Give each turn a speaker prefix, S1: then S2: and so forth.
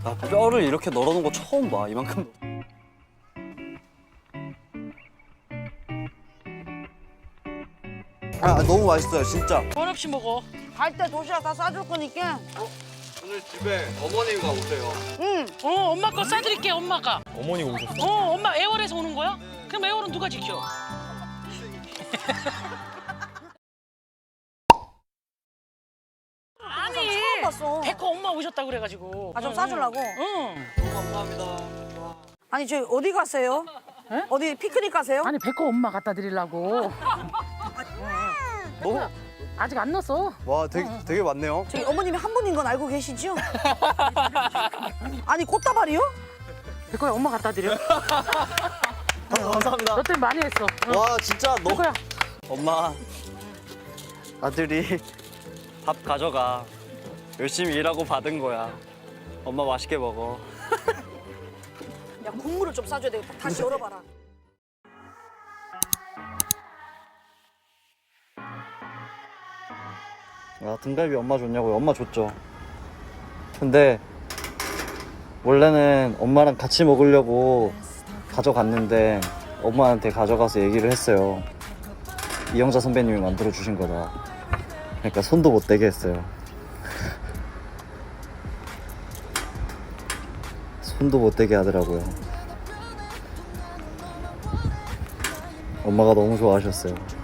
S1: 나 뼈를 이렇게 널어놓은 거 처음 봐. 이만큼. 아 너무 맛있어요 진짜.
S2: 원 없이 먹어.
S3: 갈 때 도시락 다 싸줄 거니까.
S1: 오늘 집에 어머님과 오세요.
S3: 응.
S2: 엄마 거 싸드릴게, 엄마가.
S4: 어머니가 오셨어.
S2: 엄마 애월에서 오는 거야? 그럼 애월은 누가 지켜? 아니,
S3: 처음 봤어.
S2: 백호 엄마 오셨다 그래가지고.
S3: 아, 좀 싸주려고?
S2: 응.
S1: 감사합니다.
S3: 아니, 저희 어디 가세요?
S2: 에?
S3: 어디 피크닉 가세요?
S2: 아니, 백호 엄마 갖다 드리려고.
S1: 너무
S2: 아직 안 넣었어.
S1: 와 되게 많네요.
S3: 저희 어머님이 한 분인 건 알고 계시죠? 아니, 꽃다발이요?
S2: 백호야, 엄마 갖다 드려.
S1: 감사합니다.
S2: 너 때문에 많이 했어.
S1: 와 진짜 너무.
S2: 백호야.
S1: 엄마 아들이 밥 가져가. 열심히 일하고 받은 거야. 엄마 맛있게 먹어.
S3: 야, 국물을 좀 싸줘야 되겠다. 다시 열어봐라.
S1: 야 등갈비 엄마 줬냐고요? 엄마 줬죠. 근데 원래는 엄마랑 같이 먹으려고 가져갔는데 엄마한테 가져가서 얘기를 했어요. 이영자 선배님이 만들어 주신 거다. 그러니까 손도 못 대게 했어요. 손도 못 대게 하더라고요. 엄마가 너무 좋아하셨어요.